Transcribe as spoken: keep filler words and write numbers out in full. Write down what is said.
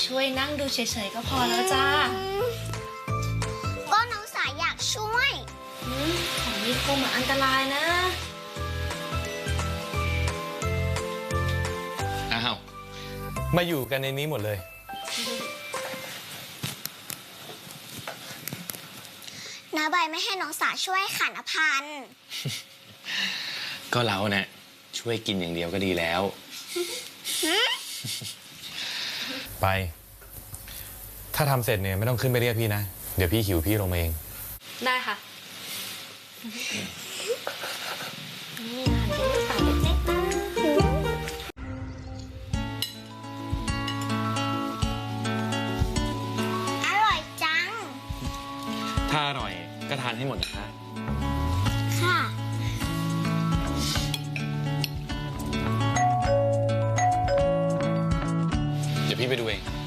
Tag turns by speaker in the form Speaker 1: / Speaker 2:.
Speaker 1: ช่วยนั่งดูเฉยๆก็พอแล้วจ้า
Speaker 2: ก็น้องสาอยากช่วย
Speaker 1: ของนี้คงเหมือนอันตรายนะ
Speaker 3: อ้าวมาอยู่กันในนี้หมดเลย
Speaker 2: น้าใบไม่ให้น้องสาช่วยขันอภันธ์
Speaker 3: ก็เราเนี่ยช่วยกินอย่างเดียวก็ดีแล้วไปถ้าทำเสร็จเนี่ยไม่ต้องขึ้นไปเรียกพี่นะเดี๋ยวพี่หิวพี่ลงมาเอง
Speaker 1: ได้ค่ะนี่หั่นเป็นลูกเต๋าเล็กๆนะ
Speaker 2: อร่อยจัง
Speaker 3: ถ้าอร่อยก็ทานให้หมดนะคะ
Speaker 2: ค่ะ
Speaker 3: เดี๋ยวพี่ไปดูเอง